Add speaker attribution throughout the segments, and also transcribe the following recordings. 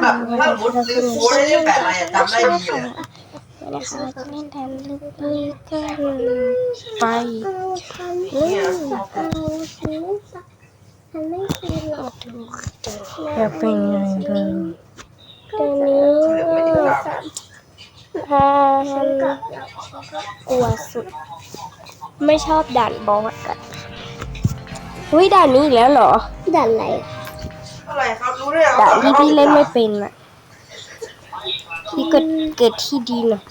Speaker 1: ถ้ามุดซื้อโค้ดได้เล่นแบบอะไรจำได้ดีเลย
Speaker 2: นะคะจะเล่นแทนลึกกันไป
Speaker 3: มันไม่คือหรอก
Speaker 2: จะเป็นยังไงตอนนี้ถ้ากลัวสุดไม่ชอบด่านบอสกันอุ้ยด่านนี้อีกแล้วเหรอ
Speaker 3: ดันอะไร
Speaker 1: อะไรครับรู้ได้เหรอ
Speaker 2: ด่านที่พี่เล่นไม่เป็นอ่ะพี่เกิดที่ดีหน่อย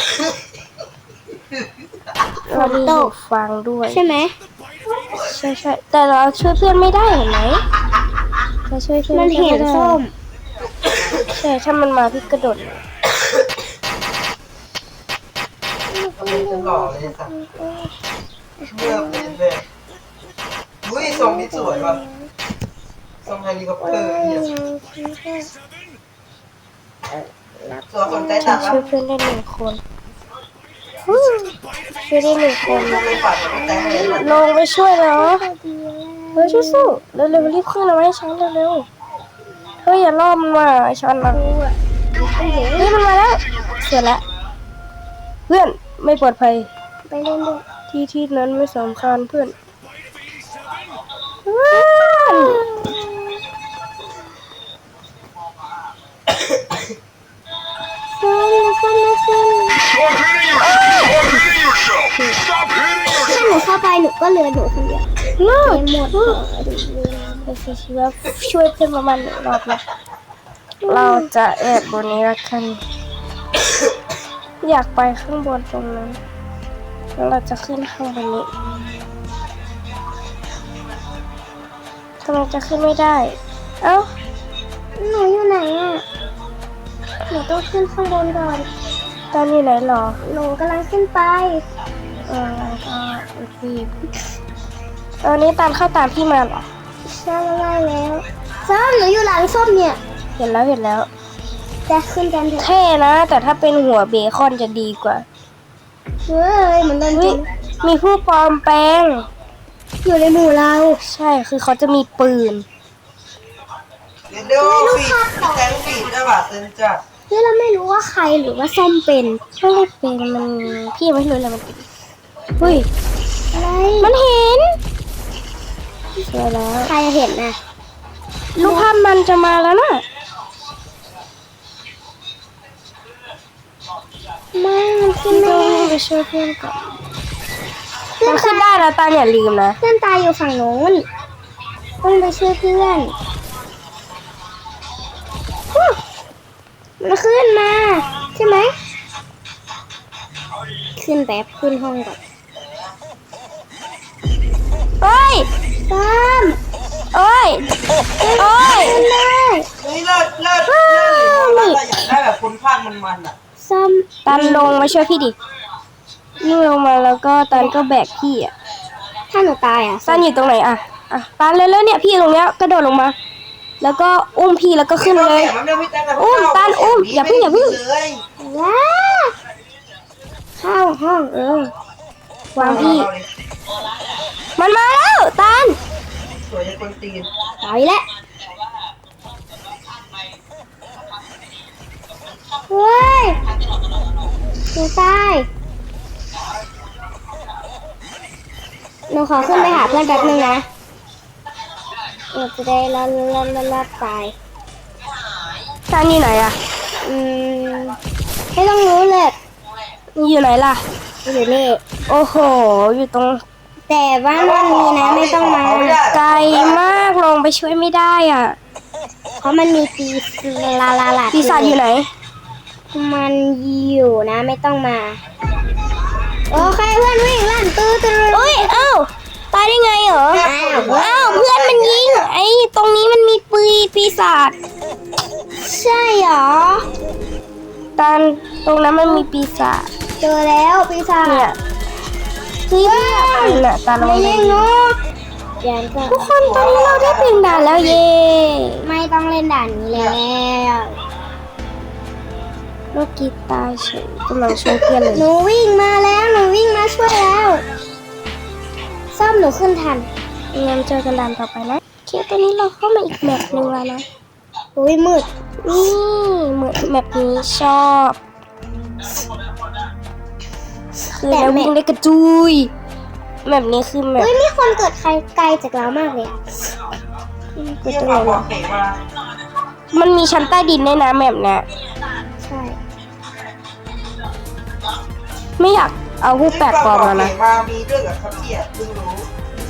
Speaker 2: เรามีหูฟังด้วย
Speaker 3: ใช่ไหม
Speaker 2: ใช่ใช่แต่เราช่วยเพื่อนไม่ได้เห็นไหมเราช่วยเพื่อน
Speaker 3: มันเห็นส้ม
Speaker 2: ใช่ถ้ามันมาพี่กระโดด
Speaker 1: จะหล่อเลยสักเมื่อเป็นเลยอุ้ยทรงนี้สวยว่ะทรงเฮลิคอปเตอร์เนี่ยตัวสนใจตัด
Speaker 2: ช่วยเพื่อนได้1 คนช่วยได้1 คน
Speaker 1: ไม่ปัดแต่เห็น
Speaker 2: ลงไปช่วยเหรอเฮ้ยสู้ๆเร็วๆรีบขึ้นเอาไว้ให้ฉันเร็วๆเฮ้ยอย่าล่อมันมาไอ้ฉันนะนี่มันมาแล้วเสร็จแล้วเพื่อนไม่ปลอดภัย
Speaker 3: ไปเล่นด้วย
Speaker 2: ที่นั้นไม่สำคัญเพื่อน
Speaker 3: ถ้าหนูเข้าไปหนูก็เหลือหนูคนเดียว
Speaker 2: เลิก
Speaker 3: หมด
Speaker 2: ไปสิชีวะช่วยเพื่อนประมาณ1 รอบนะเราจะแอบบนนี้ละกันอยากไปข้างบนตรงนั้นแล้วเราจะขึ้นข้างบนนี้ทำไมจะขึ้นไม่ได้เอ้า
Speaker 3: หนูอยู่ไหนอ่ะหนูต้องขึ้นข้างบนก่อน
Speaker 2: ตอนอยู่ไหนหรอ
Speaker 3: หนูกำลังขึ้นไป
Speaker 2: ก็โอเคตอนนี้ตามเข้าตามพี่มาเหรอ
Speaker 3: ใช่แล้วส้มหนูอยู่หลังส้มเนี่ย
Speaker 2: เห็นแล้ว
Speaker 3: จะขึ้นกันเถอะ
Speaker 2: เท่นะแต่ถ้าเป็นหัวเบคอนจะดีกว่า
Speaker 3: เฮ้ยเหมือนโดน
Speaker 2: เฮ้
Speaker 3: จิ
Speaker 2: ยมีผู้ปลอมแปลง
Speaker 3: อยู่ในหมู่เรา
Speaker 2: ใช่คือเขาจะมีปืน
Speaker 1: เดี๋ยวฟีดแทงฟีดได้ป่ะเซนจัด
Speaker 3: เฮ้ยเราไม่รู้ว่าใครหรือว่าส้มเป็น
Speaker 2: ไม่ได้เป็นมันพี่ไม่รู้เลยมันเป็นเฮ้ย
Speaker 3: อะไร
Speaker 2: มันเห็นสวยแล้ว
Speaker 3: ใครเห็นน่ะ
Speaker 2: ลูกภาพมันจะมาแล้วนะ
Speaker 3: ไม่มันขึ้น
Speaker 2: ต้
Speaker 3: ไม่
Speaker 2: อง
Speaker 3: ได้
Speaker 2: ไปช่วยเพื่อนก่อน
Speaker 3: เพื่อ
Speaker 2: มัน นขึ้นได้แล้วตาอย่าลืมนะ
Speaker 3: เพื่อนตายอยู่ฝั่งโน้นต้องไปช่วยเพื่อนมันขึ้นมาใช่ไหมขึ้นแบบขึ้นห้องก่อน
Speaker 2: เอ้ย
Speaker 3: ซ้ม
Speaker 2: เอ้ยเอ้ย
Speaker 3: ขึ้นได้
Speaker 1: เฮ้ยเลิศหรือว่าอยากได้แบบคนพากมันอ่ะ
Speaker 3: ซ้ม
Speaker 2: ตันลงมาช่วยพี่ดิยิ่งลงมาแล้วก็ตันก็แบกพี่อ่ะ
Speaker 3: ถ้าหนูตายอ่ะ
Speaker 2: ตันอยู่ตรงไหนอ่ะตันเลยเนี่ยพี่ตรงเนี้ยกระโดดลงมา แล้วก็อุ้มพี่แล้วก็ขึ้นเลย ตันอุ้มอย่าเพิ่ง
Speaker 3: ว้าเข้าห้อง
Speaker 2: วางพี่ มันมาแล้วตัน
Speaker 1: สวยจะคนตีน
Speaker 3: ตายแล้วเฮ้ยหนูตายหนูขอขึ้นไปหาเพื่อนแป๊บนึงนะเราจะได้ลาดตาย
Speaker 2: ตันอยู่ไหนอ่ะ
Speaker 3: ไม่ต้องรู้เลย
Speaker 2: อยู่ไหนล่ะ
Speaker 3: อยู่นี่
Speaker 2: โอ้โหอยู่ตรง
Speaker 3: แต่ว่ามันมีนะไม่ต้องมา
Speaker 2: ไกลมากลงไปช่วยไม่ได้อ่ะ
Speaker 3: เพราะมันมีปีลา
Speaker 2: ปีศาจอยู่ไหน
Speaker 3: มันอยู่นะไม่ต้องมาโอเคเพื่อนวิ่งลั่นตื้อ
Speaker 2: เอ้ยเอ้าตายได้ไงเหรออ้าวเพื่อนมันยิงไอ้ตรงนี้มันมีปีศาจ
Speaker 3: ใช่เหรอ
Speaker 2: ตันตรงนั้นมันมีปีศาจ
Speaker 3: เจอแล้วปีศาจ
Speaker 2: เนี่ยที่เนี่ยตาลง
Speaker 3: ไม่
Speaker 2: ไป
Speaker 3: เล่นนกยันก็
Speaker 2: ทุกคนตอนนี้เราได้ถึงด่านแล้วเย่
Speaker 3: ไม่ต้องเล่นด่านนี้แล้ว
Speaker 2: ลูกกีตาร์เฉยกำลังช่วยเพื่อนเลย
Speaker 3: หนูวิ่งมาแล้วหนูวิ่งมาช่วยแล้วซ่อมหนูขึ้นทัน
Speaker 2: งั้นเจอกันด่านต่อไปนะโอเคตอนนี้เราเข้ามาอีกแมปหนึ่งแล้วนะ
Speaker 3: อุ้ยมืด
Speaker 2: นี่เหมือนแบบนี้ชอบ คือแล้ววิ่งได้กระจุยแบบนี้คือแบบ
Speaker 3: เฮ้ยมีคนเกิดใครไกลจากเรามากเลยอะ
Speaker 2: เกิด
Speaker 1: เที่ย
Speaker 2: ตรง
Speaker 1: ว
Speaker 2: ไหน
Speaker 1: บอก
Speaker 2: วะ
Speaker 1: เขมา
Speaker 2: มันมีชั้นใต้ดินด้วยนะแบบเนี้ย
Speaker 3: ใช่
Speaker 2: ไม่อยากเอาผู้แปลกปลอมมานะ
Speaker 1: มามีด้วยกับครับพี่เพิ่งรู้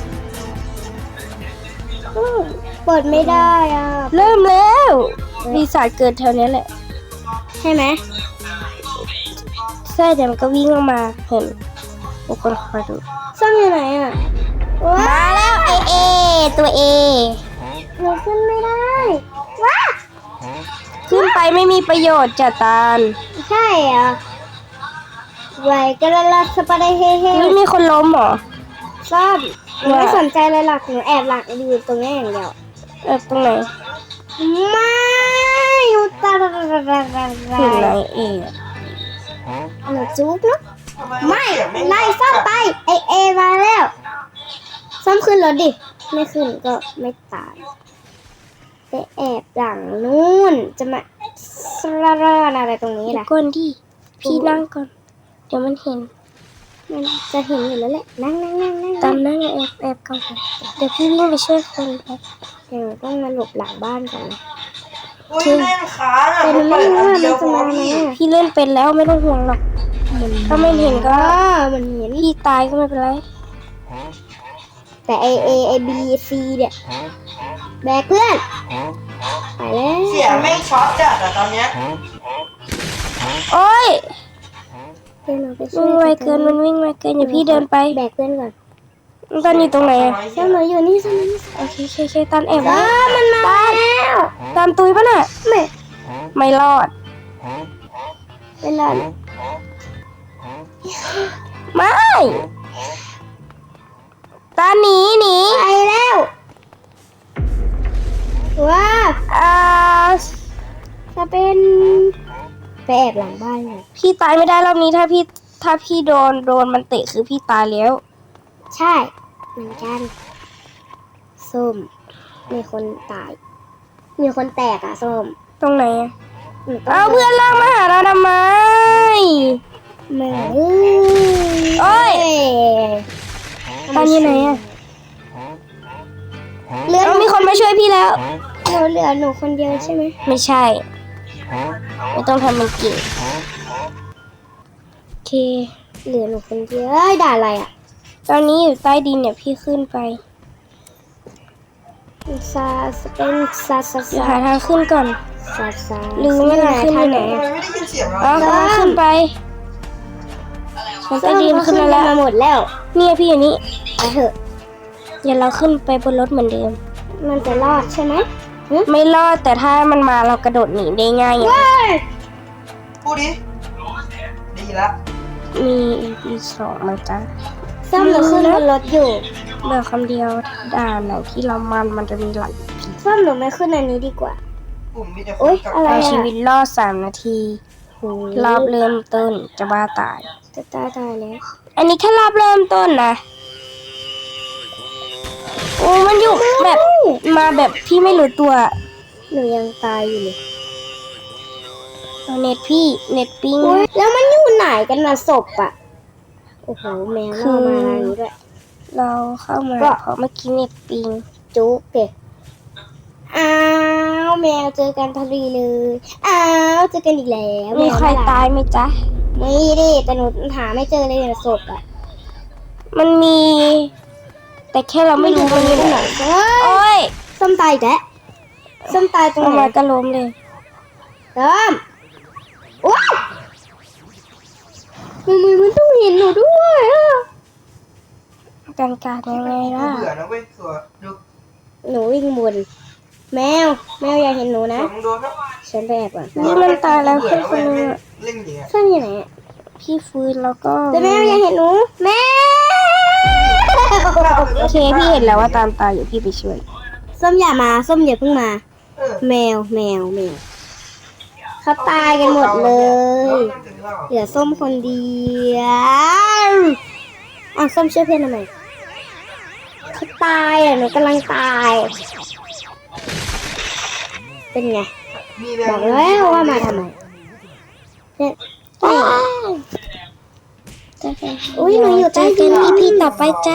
Speaker 3: เปิดไม่ได้อ่ะ
Speaker 2: เริ่มแล้วปีศาจเกิดแถวเนี้ยแหละ
Speaker 3: ใช่ไหม
Speaker 2: ใช่แต่มันก็วิ่งออกมาเห็นทุกคนคอยดู
Speaker 3: ซ่อมอยู่ไหนอ่ะว้า
Speaker 2: มาแล้วไอเอตัวเอ
Speaker 3: หนูขึ้นไม่ได้ว้า
Speaker 2: ขึ้นไปไม่มีประโยชน์จ้ะตาล
Speaker 3: ใช่อ่ะไวกระลาสปาได้เฮ่เฮ่
Speaker 2: เฮ้ยมีคนล้มเหรอ
Speaker 3: ซ่อมหนูไม่สนใจเลยหรอกหนูแอบหลังอยู่ตรงนี้อย่างเดียว
Speaker 2: ตรงไหน
Speaker 3: ไม่อยู่ตา
Speaker 2: ถึงไหนเอ
Speaker 3: หนูจุ๊บเนาะ
Speaker 1: ทำไม
Speaker 3: ไม่
Speaker 1: เสียง
Speaker 3: ไล่ซ่อมไปเอมาแล้วซ่อมขึ้นรถดิไม่ขึ้นก็ไม่ตายไปแอบหลังนู่นจะมาสระเรออะไรตรงนี้
Speaker 2: เดี๋ย
Speaker 3: ล่ะ
Speaker 2: วก่อนดิพี่นั่งก่อน เดี๋ยวมันเห็น
Speaker 3: มันจะเห็นอยู่แล้วแหละนั่ง
Speaker 2: ตามนั่งแอบก่อนเดี๋ยวพี่วิ่งไปช่วยคนแป๊บ
Speaker 3: เดี๋ยวต้องมาหลบหลังบ้านก่อนนะ
Speaker 1: อุ้ยเล่นค้างอ่ะ
Speaker 3: แต่มันไม่
Speaker 1: เปิด
Speaker 3: รู้
Speaker 1: อัน
Speaker 3: ว่า
Speaker 1: เดี
Speaker 3: มั
Speaker 1: ย
Speaker 3: น
Speaker 1: ว
Speaker 3: จะ
Speaker 1: พอ
Speaker 3: มาไหม
Speaker 1: พี่
Speaker 3: อ่ะ
Speaker 2: พี่เล่นเป็นแล้วไม่ต้องห่วงหรอกถ้าไม่เห็นก็
Speaker 3: มันเห็น
Speaker 2: พี่ตายก็ไม่เป็นไร
Speaker 3: แต่ไอบีซีเนี่ยแบกเพื่อนไปแล้ว
Speaker 1: เสียงไม่ช็อตจัดอ่ะตอนเนี้ย
Speaker 2: โอ๊ย
Speaker 3: เดี๋ยวเราไปช่
Speaker 2: วิ่
Speaker 3: ว
Speaker 2: งไวย เกินมันวิ่งไวเกินอย่าพี่เดินไป
Speaker 3: แบกเพื่อนก่อน
Speaker 2: ตอนอยู่ตรงไหนอะ
Speaker 3: เจ้าหนูอยู่นี่ซ่อมนี่
Speaker 2: โอเคตานแอบไว้
Speaker 3: มันมาแล้ว
Speaker 2: ตานตุยปะน่ะ ไม่รอด
Speaker 3: เป็นไร
Speaker 2: ไม่ตาหนี
Speaker 3: ไปแล้วว้า
Speaker 2: อ่า
Speaker 3: จะเป็นไปแอบหลังบ้านเลย
Speaker 2: พี่ตายไม่ได้รอบนี้ถ้าพี่โดนมันเตะคือพี่ตายแล้ว
Speaker 3: ใช่เหมือนกันส้มมีคนตาย มีคนแตกอ่ะส้ม
Speaker 2: ตรงไหนอะ
Speaker 3: หนูต้อง
Speaker 2: เอาเพื่อนลากมาหาเราทำไม
Speaker 3: ไม่
Speaker 2: โอ๊ย ตอนอยู่ไหนอะ
Speaker 3: เหลือ
Speaker 2: เอามีคนมาช่วยพี่แล้ว
Speaker 3: เหลือหนูคนเดียวใช่ไหม
Speaker 2: ไม่ใช่ ไม่ต้องทำมันเก่งโอเค
Speaker 3: เหลือหนูคนเดียวเอ้ยด่าอะไรอ่ะ
Speaker 2: ตอนนี้อยู่ใต้ดินเนี่ยพี่ขึ้นไป
Speaker 3: ซาสเป็นซาซา
Speaker 2: เดี๋ยว
Speaker 3: ซา
Speaker 2: หาทางขึ้นก่อน
Speaker 3: ซาซา
Speaker 2: ลืมไม่ได้ขึ้นอยู่ไหน
Speaker 1: ทำไมไม่ได้ยินเสียงเรา
Speaker 2: อ๋อกำลังขึ้นไปฉันใต้ดินขึ้นมาแล้ว
Speaker 3: มาหมดแล้ว
Speaker 2: เนี่ยพี่อยู่นี่
Speaker 3: ไปเถอะ
Speaker 2: เดี๋ยวเราขึ้นไปบนรถเหมือนเดิม
Speaker 3: มันจะรอดใช่ไหม
Speaker 2: ไม่รอดแต่ถ้ามันมาเรากระโดดหนีได้ง่ายอย่าง
Speaker 1: พูดดิดีละ
Speaker 2: มี EP2 มั้งจ๊ะ
Speaker 3: ส้มหนูขึ้นบนรถอยู่
Speaker 2: เบอร์คำเดียวด่านไหนที่เรามันจะมีหลาย
Speaker 3: ส้มหนูไม่ขึ้นอันนี้ดีกว่า
Speaker 1: กลุ่มมีแต่ค
Speaker 3: โอ๊
Speaker 1: น
Speaker 3: ย
Speaker 1: กับ
Speaker 3: อะไร
Speaker 2: เอาชีวิตรอด3 นาที รอบเริ่มต้นจะบ้าตาย
Speaker 3: จะตายแล้ว
Speaker 2: อันนี้แค่รอบเริ่มต้นนะโอ้มันอยู่แบบมาแบบพี่ไม่รู้ตัว
Speaker 3: หนูยังตายอยู่เลย
Speaker 2: เอาเน็ตพี่เน็ตปิ้ง
Speaker 3: โอ๊ยแล้วมันอยู่ไหนกันน่ะศพอ่ะ โอ้โหแมวล่อมาทางนี้ด้วย
Speaker 2: เราเข้ามา
Speaker 3: ก็
Speaker 2: เพราะเมื่อกี้เน็ตปิ้ง
Speaker 3: จุ๊กเด็กอ้าวแมวเจอกันพอดีเลย อ้าวเจอกันอีกแล้ว
Speaker 2: มีใคร
Speaker 3: แวน่รัก
Speaker 2: ตายไหมจ๊ะ
Speaker 3: ไม่ดิแต่หนูหาไม่เจอเลยเนี่ยศพอ่ะ
Speaker 2: มันมี แต่แค่เราไม่รู้มันอยู่ไหน
Speaker 3: เฮ้ย
Speaker 2: โอ้ย
Speaker 3: ส้มตายอีกแล้วส้มตายตรง
Speaker 2: เอา
Speaker 3: ไหน
Speaker 2: มาก็ล้มเลย
Speaker 3: ส้มว้าวมันต้องเห็นหนูด้วยอ่ะ
Speaker 2: การการยังไงล่ะ
Speaker 1: เบื่อนะเว้ยตัวดู
Speaker 3: หนูวิ่งวนแมวอย่าเห็นหนูนะ
Speaker 1: มึงโดนครับ
Speaker 3: ฉันไปแอบก่อน
Speaker 2: นี่มันตายแล้วคนคนนึงอะ
Speaker 1: เล่นอย่างเงี้ย
Speaker 3: ส้มอยู่ไหนอะ
Speaker 2: พี่ฟื้นแล้วก็
Speaker 3: แต่แมวอย่าเห็นหนูแมว
Speaker 2: โอเคพี่เห็นแล้วว่าตามตายอยู่พี่ไปช่วย
Speaker 3: ส้มอย่ามาส้มอย่าเพิ่งมา
Speaker 1: เออ
Speaker 3: แมวเขาตายกันหมดเลย เหลือส้มคนเดียวอ้าวส้มช่วยเพื่อนทำไมเขาตายอ่ะหนูกำลังตาย เป็นไง
Speaker 1: มีแมว
Speaker 3: บอกแล้วว่ามาทำไมเนี่ยอุ้ยหนูอยู่ใต้ดิน
Speaker 2: EP ต่อไปจ้า